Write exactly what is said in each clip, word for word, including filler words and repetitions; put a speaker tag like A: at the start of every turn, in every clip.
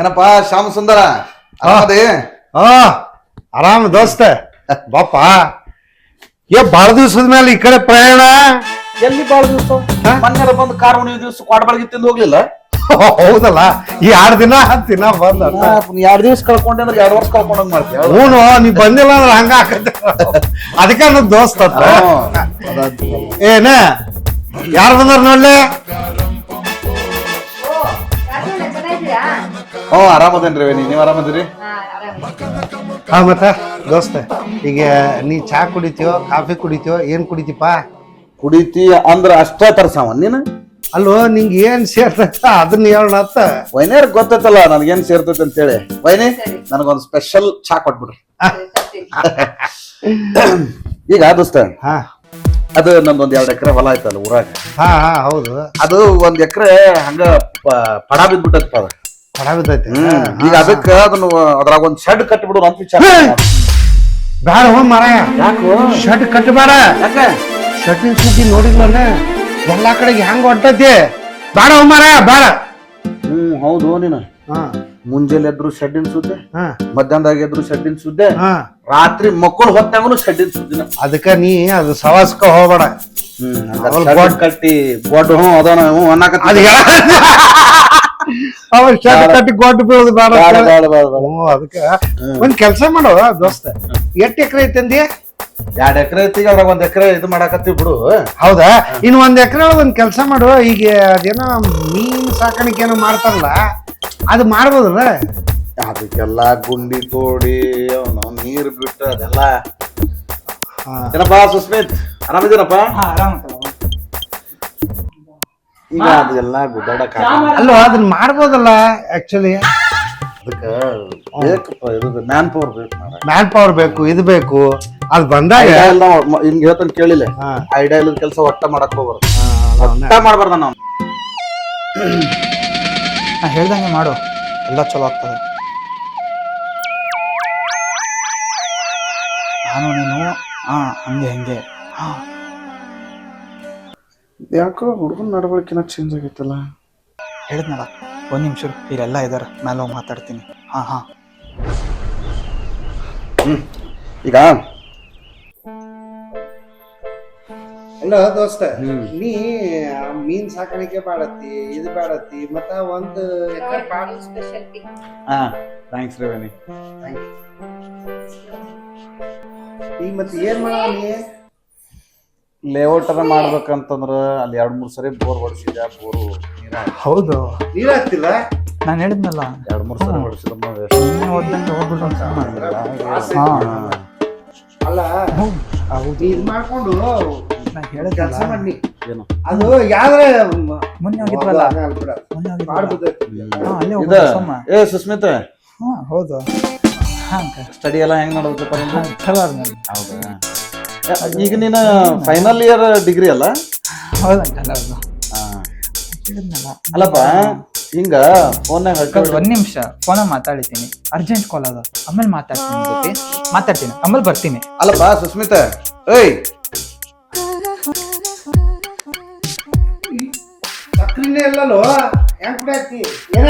A: ಏನಪ್ಪಾ ಶ್ಯಾಮ ಸುಂದರ ಅದೇ
B: ಹಾ ಆರಾಮ ದೋಸ್ತ ಬಾಪ ಏ ಬಾಳ ದಿವ್ಸದ ಮೇಲೆ ಈ ಕಡೆ ಪ್ರಯಾಣ
A: ಎಲ್ಲಿ ಬಾಳ ದಿವಸ ಮೊನ್ನೆ ಬಂದು ಕಾರ್ ಉಣಿವ ದಿವಸ ಕ್ವಾಡ್ಬಾಳ್ಗಿ ತಿಂದು ಹೋಗ್ಲಿಲ್ಲ.
B: ಹೌದಲ್ಲ ಈ ಎರಡ್ ದಿನ ದಿನ ಬಂದ
A: ಎರಡ್ ದಿವಸ ಕಳ್ಕೊಂಡೆ ಅಂದ್ರೆ ಎರಡ್ ವರ್ಷ ಕಳ್ಕೊಂಡಂಗ್ ಮಾಡ್ತೀವಿ.
B: ಹ್ಞೂ ನೀ ಬಂದಿಲ್ಲ ಅಂದ್ರೆ ಹಂಗ ಆಕತ್ತೆ ಅದಕ್ಕೆ ನನ್ ದೋಸ್ತ ಏನ ಯಾರು ಬಂದಾರ ನೋಡ್ಲಿ.
A: ಹ್ಞೂ ಆರಾಮದೇನ್ರಿ ನೀವ್ ಆರಾಮದಿರಿ?
B: ಹಾ ಮತ್ತ ದೋಸ್ತ ಈಗ ನೀ ಚಾ ಕುಡಿತೀಯೋ ಕಾಫಿ ಕುಡಿತೀಯೋ ಏನ್ ಕುಡಿತೀಪ?
A: ಕುಡಿತಿ ಅಂದ್ರ ಅಷ್ಟ ತರ್ಸಾವ ನೀನು.
B: ಅಲ್ಲೋ ನಿಂಗೆ ಏನ್ ಸೇರ್ತೈತ ಅದನ್ನ ಹೇಳತ್ತ.
A: ವೈನೇರ್ ಗೊತ್ತೈತಲ್ಲ ನನ್ಗೇನ್ ಸೇರ್ತೈತೆ ಅಂತ ಹೇಳಿ. ವೈನಿ ನನಗೊಂದು ಸ್ಪೆಷಲ್ ಚಾ ಕೊಟ್ಬಿಡ್ರಿ. ಈಗ ದೋಸ್ತ
B: ಹಾ
A: ಅದು ನಂದೊಂದ್ ಎರಡ್ ಎಕರೆ ಹೊಲ ಆಯ್ತಲ್ಲ ಊರಾಗ.
B: ಹಾ ಹಾ ಹೌದು.
A: ಅದು ಒಂದ್ ಎಕರೆ ಹಂಗ ಪಡ ಬಿದ್ಬಿಟ್ಟೈತಪ್ಪ ಅದ.
B: ಪಡ ಬಿದ್ದೈತಿ.
A: ಈಗ ಅದಕ್ಕ ಅದನ್ನ ಅದ್ರಾಗ ಒಂದ್ ಶೆಡ್ ಕಟ್ಬಿಡೋದು ಅಂತ ವಿಚಾರ.
B: ಬೇಡ ಹೋ ಮಾರಾಯ.
A: ಯಾಕೋ
B: ಶೆಡ್ ಕಟ್ಟಬೇಡ.
A: ಯಾಕ?
B: ಶೆಡ್ಡಿನ ಸುದ್ದಿ ನೋಡಿದ್ವಲ್ಲ ಎಲ್ಲಾ ಕಡೆಗೆ ಹೆಂಗ ಹೊಂಟೈತಿ. ಬೇಡ ಹೋ ಮಾರಾಯ ಬೇಡ.
A: ಹ್ಮ್ ಹೌದು ನೀನು.
B: ಹಾ
A: ಮುಂಜಾನೆ ಎದ್ರು ಶೆಡ್ಡಿನ ಸುದ್ದೆ,
B: ಹಾ
A: ಮಧ್ಯಾಹ್ನದಾಗ ಎದ್ರು ಶೆಡ್ಡಿನ ಸುದ್ದೆ,
B: ಹಾ
A: ರಾತ್ರಿ ಮಕ್ಕಳು ಹೊತ್ತಾಗನು ಶೆಡ್ಡಿನ ಸುದ್ದಿನ.
B: ಅದಕ್ಕ ನೀ ಅದು ಸವಾಸ್ಕ ಹೋಗ್ಬೇಡ.
A: ಹ್ಮ್ ಕಟ್ಟಿ ಗೋಡ್ ಹ್ಞೂ ಅದಾನ ಹ್ಞೂ ಅನ್ನಕತ್ತ.
B: ಅದ ಅವ ಶೆಡ್ ಕಟ್ಟಿ ಗೊಡ್ಡು ಬೀಳೋದು ಬೇಡ. ಹ್ಞೂ ಅದಕ್ಕ ಒಂದ್ ಕೆಲ್ಸ ಮಾಡವ ದೋಸ್ತ. ಎಷ್ಟ್ ಎಕರೆ ಐತಂದಿ?
A: ಎರಡ್ ಎಕರೆ ಐತಿ. ಅದ್ರಾಗ ಒಂದ್ ಎಕರೆ ಇದು ಮಾಡಾಕತ್ತೀವಿ ಬಿಡು.
B: ಹೌದಾ? ಇನ್ ಒಂದ್ ಎಕರೆ ಒಂದ್ ಕೆಲ್ಸ ಮಾಡು. ಈಗ ಅದೇನೋ ಮೀನ್ ಸಾಕಾಣಿಕೆ ಏನೋ ಮಾಡ್ತಾರಲ್ಲ ಅದು ಮಾಡ್ಬೋದಲ್ಲ.
A: ಅದಕ್ಕೆಲ್ಲ ಗುಂಡಿ ತೋಡಿ ನಾವು ನೀರ್ ಬಿಟ್ಟು ಅದೆಲ್ಲ. ಏನಪ್ಪಾ ಸುಸ್ಮಿತ್ ಆರಾಮಿದ್ದೀರಪ್ಪ? ಈಗ ಅದೆಲ್ಲ ಗುಡ್ಡಾಡಕ
B: ಅಲ್ವಾ ಅದನ್ನ ಮಾಡ್ಬೋದಲ್ಲ ಆಕ್ಚುಲಿ.
A: ಅದಕ್ಕ ಬೇಕಪ್ಪ ಇರೋದು ಮ್ಯಾನ್ ಪವರ್ ಬೇಕು.
B: ಮ್ಯಾನ್ ಪವರ್ ಬೇಕು, ಇದು ಬೇಕು. ಅದ್ ಬಂದಾಗ
A: ಹಿಂಗ್ ಹೇಳ್ತಾನೆ ಕೇಳಿಲ್ಲ. ಐಡಿಯಾ ಇಲ್ಲದ ಕೆಲಸ ಒಟ್ಟ ಮಾಡಕ್ ಹೋಗ್ಬಾರ್ದು. ಒಟ್ಟ ಮಾಡ್ಬಾರ್ದ ನಾವು.
C: ನಾ ಹೇಳ್ದಂಗೆ ಮಾಡು, ಎಲ್ಲ ಚಲೋ ಆಗ್ತದೆ. ನಾನು ನೀನು ಹಾ ಹಂಗೆ ಹಂಗೆ ಹಾ.
A: ಯಾಕೋ ಹುಡುಗನ ನಡವಳಿಕೆನ ಚೇಂಜ್ ಆಗೈತಲ್ಲ.
C: ಹೇಳಿದ್ನಲ್ಲ ಒಂದ್ ನಿಮಿಷ ಇಲ್ಲೆಲ್ಲ ಇದಾರೆ, ಮೇಲೆ ಹೋಗಿ ಮಾತಾಡ್ತೀನಿ. ಹಾ ಹಾ
A: ಹ್ಮ್ ಈಗ
B: ಅಲ್ಲ ದೋಸ್ತ, ನೀ ಮೀನ್ ಸಾಕಾಣಿಕೆ ಬಾಳತ್ತಿ, ಇದು ಬಾಳತ್ತಿ, ಮತ್ತ ಒಂದು
A: ಹಾ ಥ್ಯಾಂಕ್ಸ್ ರೇವನಿ.
B: ಈಗ ಮತ್ತೆ ಏನ್ ಮಾಡ ನೀ?
A: ಲೇಔಟ್ ಅದ ಮಾಡ್ಬೇಕಂತಂದ್ರ ಅಲ್ಲಿ ಎರಡ್ ಮೂರ್ ಸರಿ ಬೋರ್ ಹೊಡ್ಸಿದ್ಯಾ, ಬೋರು ನೀರ.
C: ಹೌದು,
B: ನೀರ್ ಹಾಕ್ತಿಲ್ಲ.
C: ನಾನು ಹೇಳಿದ್ನಲ್ಲ
A: ಎರಡ್ ಮೂರ್ ಸರಿ ಹೊಡ್ಸಿದ
B: ಅಲ್ಲ ಹೌದು. ಇದ್ ಮಾಡ್ಕೊಂಡು
C: ನಾ ಹೇಳಿದ
B: ಕೆಲಸ ಮಾಡಿ
A: ಏನು
B: ಅದು ಯಾವ್ದ್ರೆ
C: ಮೊನ್ನೆ ಹೋಗಿದ್ವಲ್ಲ, ಮೊನ್ನೆ ಹೋಗಿದ್ವಲ್ಲ.
A: ಏ ಸುಸ್ಮಿತ,
C: ಹಾ ಹೌದು. ಹಾ
A: ಸ್ಟಡಿ ಎಲ್ಲ ಹೆಂಗ್ ನಡೆದಪ್ಪ?
C: ಚಲೋ.
A: ಹೌದಾ? ಈಗ ನೀನು ಫೈನಲ್ ಇಯರ್ ಡಿಗ್ರಿ ಅಲ್ಲ?
C: ಹೌದಂಕಲ್ಲ. ಹೌದು.
A: ಅಲ್ಲಪ್ಪ ಹಿಂಗ ಫೋನ್ನಾಗ
C: ಒಂದ್ ನಿಮಿಷ ಫೋನಾಗ ಮಾತಾಡ್ತೀನಿ, ಅರ್ಜೆಂಟ್ ಕಾಲ್ ಅದ, ಆಮೇಲೆ ಮಾತಾಡ್ತೀನಿ ಜೊತೆ ಮಾತಾಡ್ತೀನಿ, ಆಮೇಲೆ ಬರ್ತೀನಿ.
A: ಅಲ್ಲಪ್ಪ ಸುಸ್ಮಿತ, ಏಯ್
B: ಸಕ್ರಿನೇ ಇಲ್ಲಲ್ಲೋ, ಹೆಂಗ್ ಕುಡಿಯಾತಿ ಏನ?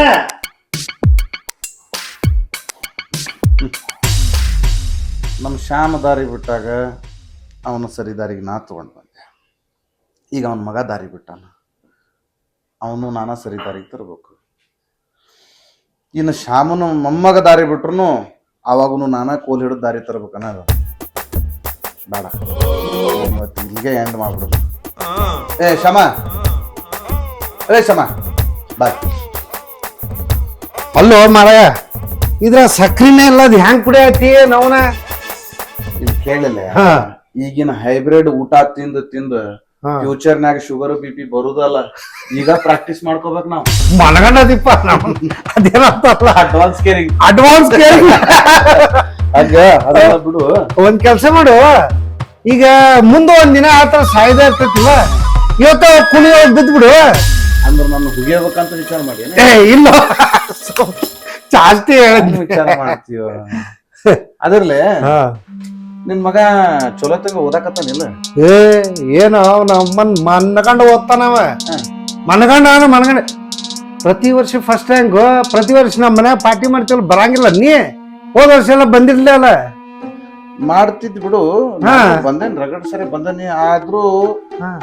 A: ನಮ್ಮ ಶ್ಯಾಮ ದಾರಿ ಬಿಟ್ಟಾಗ ಅವನ ಸರಿ ದಾರಿಗೆ ನಾ ತಗೊಂಡು ಬಂದೆ. ಈಗ ಅವನ ಮಗ ದಾರಿ ಬಿಟ್ಟಾನ, ಅವನು ನಾನಾ ಸರಿ ದಾರಿಗೆ ತರಬೇಕು. ಇನ್ನು ಶ್ಯಾಮನು ಮೊಮ್ಮಗ ದಾರಿ ಬಿಟ್ರು ಅವಾಗೂ ನಾನಾ ಕೋಲ್ ಹಿಡಿದು ದಾರಿ ತರಬೇಕನ್ನ. ಬೇಡ, ಇವತ್ತು ಇಲ್ಲಿಗೆ ಎಂಡ್ ಮಾಡ್ಬಿಡೋದು. ಏ ಶ್ಯಾಮ, ಏ ಶ್ಯಾಮ ಬಾಯ್.
B: ಅಲ್ಲೋ ಮಾರಾಯ, ಇದ್ರ ಸಕ್ರಿನೇ ಇಲ್ಲ, ಅದು ಹೆಂಗ್ ಕುಡಿಯಾತಿ ನವನ?
A: ಇಲ್ಲಿ ಕೇಳಿಲ್ಲ, ಈಗಿನ ಹೈಬ್ರಿಡ್ ಊಟ ತಿಂದು ತಿಂದು ಫ್ಯೂಚರ್ನಾಗ ಶುಗರ್ ಬಿ ಪಿ ಬರುದಲ್ಲ. ಈಗ ಪ್ರಾಕ್ಟೀಸ್ ಮಾಡ್ಕೋಬೇಕು ನಾವು.
B: ಮನಗಂಡದಿಪ್ಪ ನಾವು. ಅದೇನಂತಲ್ಲ
A: ಅಡ್ವಾನ್ಸ್ ಕೇರಿಂಗ್.
B: ಅಡ್ವಾನ್ಸ್ ಕೇರಿಂಗ್
A: ಹಂಗ ಅದೆಲ್ಲ ಬಿಡು.
B: ಒಂದ್ ಕೆಲ್ಸ ಮಾಡು, ಈಗ ಮುಂದ ಒಂದ್ ದಿನ ಆತರ ಸಾಯ್ದ ಇರ್ತೈತಿಲ್ಲ, ಇವತ್ತ ಕುಣಿಯೋ ಬಿದ್ದು ಬಿಡು.
A: ಅಂದ್ರೆ ನನ್ನ ಹುಗಿಯಬೇಕಂತ ವಿಚಾರ ಮಾಡಿ?
B: ಏ ಇಲ್ಲ, ಜಾಸ್ತಿ
A: ವಿಚಾರ ಮಾಡ್ತೀವ. ಅದ್ರಲ್ಲೇ ನಿನ್ ಮಗ ಚಲೋ ತಂಗ ಓದಾಕತ್ತಾನಿಲ್ಲ?
B: ಏ ಏನು ಅವನ ಮನ್ ಮನ್ಗಂಡ ಓದ್ತಾನವ. ಮನಗಂಡ ಅವನ ಮನಗಂಡ ಪ್ರತಿ ವರ್ಷ ಫಸ್ಟ್ ರ್ಯಾಂಕ್ ಪ್ರತಿ ವರ್ಷ ನಮ್ಮ ಮನ್ಯಾಗ ಪಾರ್ಟಿ ಮಾಡ್ತೀವಲ್ಲ ಬರಂಗಿಲ್ಲ ನೀ ಹೋದ ವರ್ಷ ಎಲ್ಲ ಬಂದಿರ್ಲಿಲ್ಲ.
A: ಮಾಡ್ತಿದ್ ಬಿಡು,
B: ಹಾ.
A: ನಾನು ಬಂದೇನ್ ರಗಡ್ ಸರಿ ಬಂದನಿ. ಆದ್ರೂ
B: ಹಾ.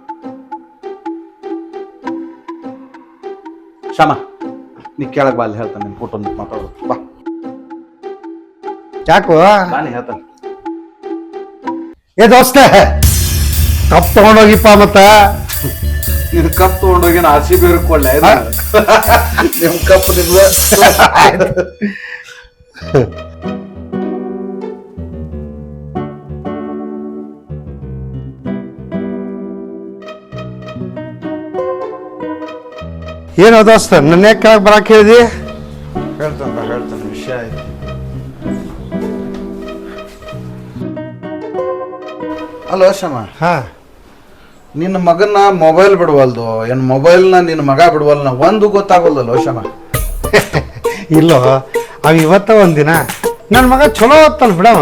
A: ಶ್ಯಾಮ ನೀ ಕೆಳಗ್ ಬಾ, ಅಲ್ಲಿ ಹೇಳ್ತಾನೆ ನಿನ್ ಕುಟುಂಬ ಮಾತಾಡೋದು. ಬಾ
B: ಯಾಕೋ
A: ನಾನು ಹೇಳ್ತಾನೆ.
B: ಏ ದೋಸ್ತ ಕಪ್ ತಗೊಂಡೋಗಿಪ್ಪ ಮತ್ತ.
A: ನಿನ್ ಕಪ್ ತಗೊಂಡೋಗಿ ಆರ್ ಸಿ ಬಿ ಅವ್ರಿಗೆ ಕೊಡ್ಲೆ ನಿಮ್ ಕಪ್ ನಿಮ್ದು.
B: ಏನೋ ದೋಸ್ತ ನನ್ನ ಕೆಳಗೆ ಬರಕ್ ಹೇಳಿದಿ?
A: ಹೇಳ್ತಾನೆ ಹೇಳ್ತಾನೆ ವಿಷಯ ಆಯ್ತು. ಅಲೋ ಶ್ಯಾಮ,
B: ಹಾ
A: ನಿನ್ನ ಮಗನ ಮೊಬೈಲ್ ಬಿಡುವಲ್ದು, ಏನ್ ಮೊಬೈಲ್ನ ನಿನ್ನ ಮಗ ಬಿಡುವಲ್ನ ಒಂದು ಗೊತ್ತಾಗಲ್ದಲ್ಲೋ ಶ್ಯಾಮ.
B: ಇಲ್ಲೋ ಅವ ಇವತ್ತ ಒಂದಿನ ನನ್ನ ಮಗ ಚಲೋ ಓದ್ತಾನ ಬಿಡವ.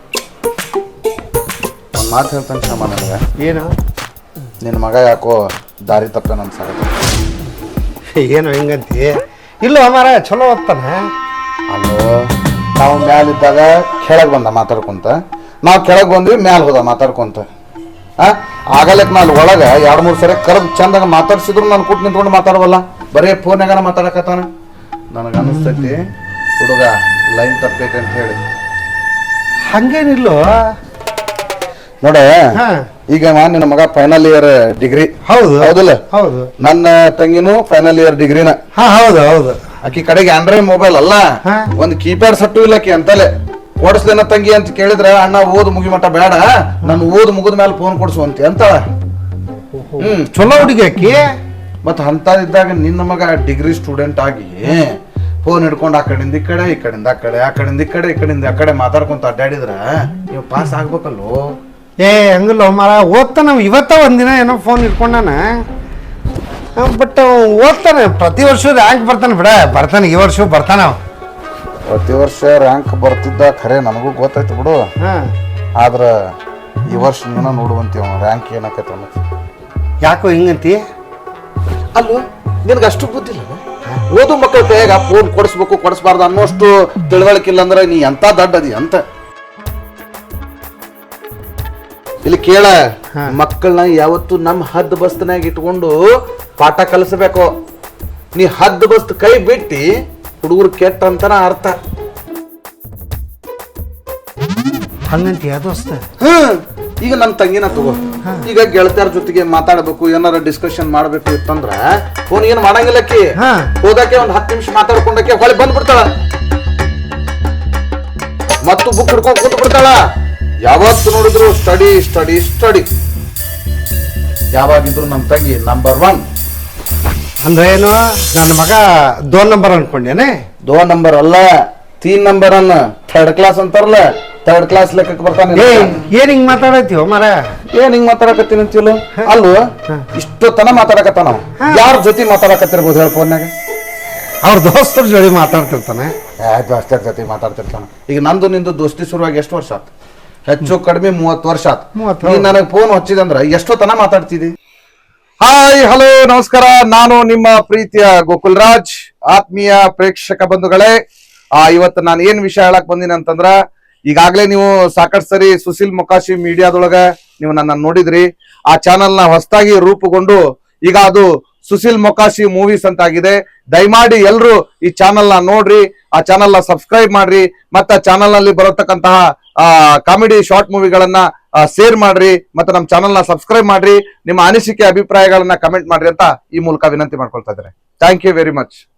A: ಒಂದು ಮಾತು ಹೇಳ್ತಾನೆ ಶ್ಯಾಮ ನನಗೆ,
B: ಏನು
A: ನಿನ್ನ ಮಗ ಯಾಕೋ ದಾರಿ ತಪ್ಪೇನ ಅನ್ಸಾಗತ್ತೆ.
B: ಏನು ಹೆಂಗಂತಿ? ಇಲ್ಲ ಮಾರ ಚಲೋ ಓದ್ತಾನೆ.
A: ಅಲ್ಲೋ ನಾವು ಮ್ಯಾಲಿದ್ದಾಗ ಕೆಳಗೆ ಬಂದ ಮಾತಾಡ್ಕೊಂತ, ನಾವು ಕೆಳಗೆ ಬಂದ್ವಿ ಮ್ಯಾಲ ಹೋದ ಮಾತಾಡ್ಕೊಂತ. ಆ ಆಗಲಕ್ಕೆ ನಾನು ಒಳಗೆ ಎರಡು ಮೂರು ಸರಿ ಕರೆದು ಚಂದಾಗ ಮಾತಾಡ್ಸಿದ್ರು ನಾನು ಕೂತ್ ನಿಂತ್ಕೊಂಡು ಮಾತಾಡವಲ್ಲ, ಬರೀ ಫೋನ್ಯಾಗ ಮಾತಾಡಕತ್ತಾನ. ನನಗೆ ಅನಿಸ್ತೈತಿ ಹುಡುಗ ಲೈನ್ ತಪ್ಪೈತೆ ಅಂತ ಹೇಳಿ.
B: ಹಂಗೇನಿಲ್ಲೋ
A: ನೋಡ,
B: ಹಾ
A: ಈಗ ನಿನ್ನ ಮಗ ಫೈನಲ್ ಇಯರ್ ಡಿಗ್ರಿ
B: ಹೌದು
A: ಹೌದಿಲ್ಲ?
B: ಹೌದು.
A: ನನ್ನ ತಂಗಿನೂ ಫೈನಲ್ ಇಯರ್ ಡಿಗ್ರಿನ.
B: ಹಾ ಹೌದು ಹೌದು.
A: ಆಕಿ ಕಡೆಗೆ ಆಂಡ್ರಾಯ್ಡ್ ಮೊಬೈಲ್ ಅಲ್ಲ,
B: ಹಾ.
A: ಒಂದು ಕೀಪ್ಯಾಡ್ ಸಟ್ಟು ಇಲ್ಲ ಆಕಿ ಅಂತಲೇ. ಕೊಡಿಸ್ದೇನ ತಂಗಿ ಅಂತ ಕೇಳಿದ್ರೆ, ಅಣ್ಣ ಓದ್ ಮುಗಿ ಮಟ್ಟ ಬೇಡ, ನಾನು ಓದ್ ಮುಗಿದ ಮೇಲೆ ಫೋನ್ ಕೊಡ್ಸುವಂತೆ ಅಂತಾಳ. ಹ್ಮ್
B: ಚಲೋ ಹುಡುಗಿ ಆಕಿ.
A: ಮತ್ತ ಅಂತದಿದ್ದಾಗ ನಿನ್ನ ಮಗ ಡಿಗ್ರಿ ಸ್ಟೂಡೆಂಟ್ ಆಗಿ ಫೋನ್ ಹಿಡ್ಕೊಂಡು ಆ ಕಡೆಯಿಂದ ಈ ಕಡೆ, ಈ ಕಡೆಯಿಂದ ಆ ಕಡೆ, ಆ ಕಡೆಯಿಂದ ಈ ಕಡೆ, ಈ ಕಡೆಯಿಂದ ಆ ಕಡೆ ಮಾತಾಡ್ಕೊಂತ ಅಡ್ಡಾಡಿದ್ರ ನೀವು ಪಾಸ್ ಆಗ್ಬೇಕಲ್ಲೋ.
B: ಏ ಹಂಗಿಲ್ಲ ಮಾರ, ಓದ್ತಾನ ಇವತ್ತ ಒಂದಿನ ಏನೋ ಫೋನ್ ಇಟ್ಕೊಂಡಾನ. ಬಟ್ ಓದ್ತಾನೆ, ಪ್ರತಿ ವರ್ಷ ರ್ಯಾಂಕ್ ಬರ್ತಾನೆ ಬಿಡ, ಬರ್ತಾನೆ ಈ ವರ್ಷ ಬರ್ತಾನ ಅವ.
A: ಪ್ರತಿ ವರ್ಷ ರ್ಯಾಂಕ್ ಬರ್ತಿದ್ದ ಖರೆ ನನಗೂ ಗೊತ್ತಾಯ್ತು ಬಿಡು.
B: ಹಾ
A: ಆದ್ರ ಈ ವರ್ಷ ನೀನ ನೋಡುವಂತೀವ ರ್ಯಾಂಕ್ ಏನಾಕೈತೆ ಅನ್ನೋದು.
B: ಯಾಕೋ ಹಿಂಗಂತಿ?
A: ಅಲ್ಲೋ ನಿನಗೆ ಅಷ್ಟು ಬುದ್ಧಿಲ್ಲ, ಓದು ಮಕ್ಕಳ ಕೈಯಾಗ ಫೋನ್ ಕೊಡಿಸ್ಬೇಕು ಕೊಡಿಸ್ಬಾರ್ದು ಅನ್ನೋಷ್ಟು ತಿಳುವಳಿಕಿಲ್ಲ ಅಂದ್ರೆ ನೀ ಎಂತ ದಡ್ಡದಿ ಅಂತ. ಇಲ್ಲಿ ಕೇಳ, ಮಕ್ಕಳನ್ನ ಯಾವತ್ತು ನಮ್ಮ ಹದ್ದು ಬಸ್ತನಾಗ ಇಟ್ಕೊಂಡು ಪಾಠ ಕಲಿಸಬೇಕು. ನೀ ಹದ್ದು ಬಸ್ತ್ ಕೈ ಬಿಟ್ಟಿ ಹುಡುಗರು ಕೆಟ್ಟ ಅಂತನ ಅರ್ಥ.
B: ಹಂಗಂತಿ ದೋಸ್ತ?
A: ಹ್ಮ್ ಈಗ ನನ್ನ ತಂಗಿನ ತಗೋ, ಈಗ ಗೆಳತಿಯರ ಜೊತೆಗೆ ಮಾತಾಡಬೇಕು, ಏನಾರ ಡಿಸ್ಕಷನ್ ಮಾಡ್ಬೇಕು ಇತ್ತಂದ್ರ ಫೋನ್ ಏನ್ ಮಾಡಂಗಿಲ್ಲಕ್ಕಿ. ಹೋದಕ್ಕೆ ಒಂದ್ ಹತ್ತು ನಿಮಿಷ ಮಾತಾಡ್ಕೊಂಡಕ್ಕೆ ಹೊಳೆ ಬಂದ್ಬಿಡ್ತಾಳ, ಮತ್ತು ಬುಕ್ ಹಿಡ್ಕೊಂಡ್ ಕೂತ್ ಬಿಡ್ತಾಳ. ಯಾವತ್ತು ನೋಡಿದ್ರು ಸ್ಟಡಿ ಸ್ಟಡಿ ಸ್ಟಡಿ. ಯಾವಾಗಿದ್ರು ನಮ್ಮ ತಂಗಿ ನಂಬರ್ ಒನ್.
B: ಅಂದ್ರೆ ಏನು, ನನ್ನ ಮಗ ದೋ ನಂಬರ್ ಅನ್ಕೊಂಡೇನೆ?
A: ದೋ ನಂಬರ್ ಅಲ್ಲ, ತೀನ್ ನಂಬರ್ ಅನ್ನ, ಥರ್ಡ್ ಕ್ಲಾಸ್ ಅಂತಾರಲ್ಲ, ಥರ್ಡ್ ಕ್ಲಾಸ್ ಲೆಕ್ಕಕ್ಕೆ ಬರ್ತಾನೆ.
B: ಏ ಏನ್ ಹಿಂಗ್ ಮಾತಾಡತ್ತೀವ ಮರ?
A: ಏನ್ ಹಿಂಗ್ ಮಾತಾಡಕತ್ತೀನಿ ಅಂತಿಲ್ಲ ಅಲ್ವ? ಇಷ್ಟು ತನ ಮಾತಾಡಕತ್ತಾನ. ಯಾರ ಜೊತೆ ಮಾತಾಡಕತ್ತಿರ್ಬೋದು ಹೇಳ ಫೋನ್ಯಾಗ?
B: ಅವ್ರ ದೋಸ್ತರ ಜೊತೆ ಮಾತಾಡ್ತಿರ್ತಾನೆ.
A: ದೋಸ್ತರ ಜೊತೆ ಮಾತಾಡ್ತಿರ್ತಾನ. ಈಗ ನಂದು ನಿಂದು ದೋಸ್ತಿ ಶುರುವಾಗಿ ಎಷ್ಟು ವರ್ಷ ಆತ್? ಹೆಚ್ಚು ಕಡಿಮೆ ಮೂವತ್ತು ವರ್ಷ ಆತ್.
B: ಮೂವತ್ತು.
A: ನೀ ನನಗೆ ಫೋನ್ ಹಚ್ಚಿದಂದ್ರ ಎಷ್ಟೋ ತನ ಮಾತಾಡ್ತಿದ್ದಿ. ಹಾಯ್ ಹಲೋ ನಮಸ್ಕಾರ, ನಾನು ನಿಮ್ಮ ಪ್ರೀತಿಯ ಗೋಕುಲ್ ರಾಜ್. ಆತ್ಮೀಯ ಪ್ರೇಕ್ಷಕ ಬಂಧುಗಳೇ, ಆ ಇವತ್ತು ನಾನು ಏನ್ ವಿಷಯ ಹೇಳಕ್ ಬಂದಿನಿ ಅಂತಂದ್ರ, ಈಗಾಗಲೇ ನೀವು ಸಾಕಷ್ಟು ಸರಿ ಸುಶೀಲ್ ಮೊಕಾಶಿ ಮೀಡಿಯಾದೊಳಗ ನೀವು ನನ್ನ ನೋಡಿದ್ರಿ. ಆ ಚಾನೆಲ್ ನ ಹೊಸದಾಗಿ ರೂಪುಗೊಂಡು ಈಗ ಅದು ಸುಶೀಲ್ ಮೊಕಾಶಿ ಮೂವೀಸ್ ಅಂತ ಆಗಿದೆ. ದಯಮಾಡಿ ಎಲ್ರು ಈ ಚಾನೆಲ್ ನ ನೋಡ್ರಿ, ಆ ಚಾನೆಲ್ ನ ಸಬ್ಸ್ಕ್ರೈಬ್ ಮಾಡ್ರಿ, ಮತ್ತೆ ಚಾನೆಲ್ ನಲ್ಲಿ ಬರತಕ್ಕಂತಹ ಆ ಕಾಮಿಡಿ ಶಾರ್ಟ್ ಮೂವಿಗಳನ್ನ ಶೇರ್ ಮಾಡ್ರಿ, ಮತ್ತೆ ನಮ್ಮ ಚಾನೆಲ್ ನ ಸಬ್ಸ್ಕ್ರೈಬ್ ಮಾಡ್ರಿ. ನಿಮ್ಮ ಅನಿಸಿಕೆ ಅಭಿಪ್ರಾಯಗಳನ್ನ ಕಮೆಂಟ್ ಮಾಡ್ರಿ ಅಂತ ಈ ಮೂಲಕ ವಿನಂತಿ ಮಾಡ್ಕೊಳ್ತಾ ಇದ್ದಾರೆ. Thank you very much.